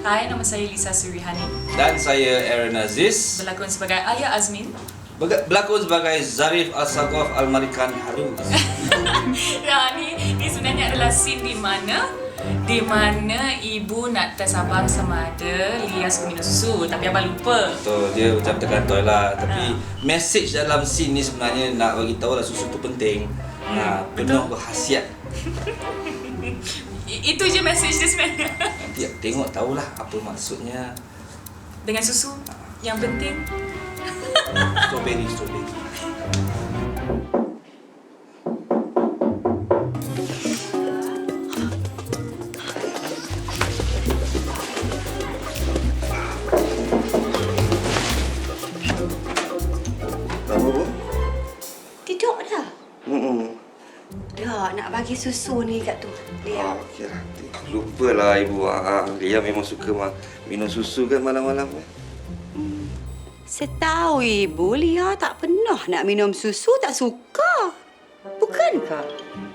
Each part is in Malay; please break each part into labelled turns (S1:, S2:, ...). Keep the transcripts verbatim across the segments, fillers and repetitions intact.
S1: Hai, nama saya Lisa Surihani.
S2: Dan saya Aaron Aziz.
S1: Berlakon sebagai Ayah Azmin.
S2: Berlakon sebagai Zarif Al-Saqaf Al-Marikan Harus.
S1: Ya, ni, ni sebenarnya adalah scene di mana di mana ibu nak test abang sama ada Lia suka minum susu, tapi abang lupa.
S2: Betul, dia macam terkantoi lah. Tapi ha. message dalam scene ni sebenarnya nak bagi tahu lah susu tu penting. Hmm, ha, penuh berkhasiat.
S1: Itu je message dia sebenarnya.
S2: Nanti tengok tahulah apa maksudnya.
S1: Dengan susu yang penting.
S2: Strawberry, strawberry.
S3: Apa, Bu?
S4: Tidur dah.
S3: Hmm.
S4: Dah, nak bagi susu ni kat tu. Lia.
S3: Ah, okeylah. Lupalah ibu. Ah, Lia memang suka mah minum susu kan malam-malam.
S4: Hmm. Saya tahu ibu, Lia tak pernah nak minum susu, tak suka. Bukankah?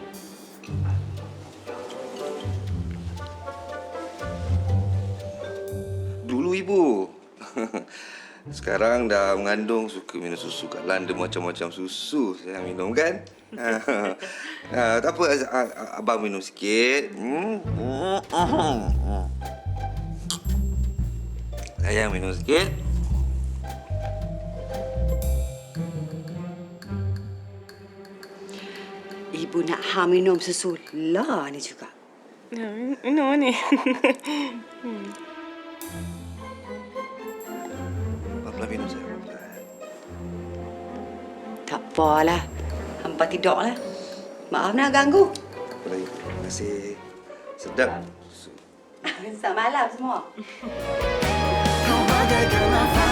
S3: Dulu ibu. Sekarang dah mengandung, suka minum susu. Kat London macam-macam susu saya minum kan. Ah, tak apa, abang minum sikit. Hmm. Sayang minum sikit.
S4: Ibu nak ha minum susu lah ni juga.
S5: Minum ni.
S3: Pelan-pelan minum saya.
S4: Tak apalah. Hampa tidur lah. Maaf nak ganggu.
S3: Tak apa lagi. Terima kasih. Sedap.
S4: Selamat malam semua.
S6: Kau bagaikan nafas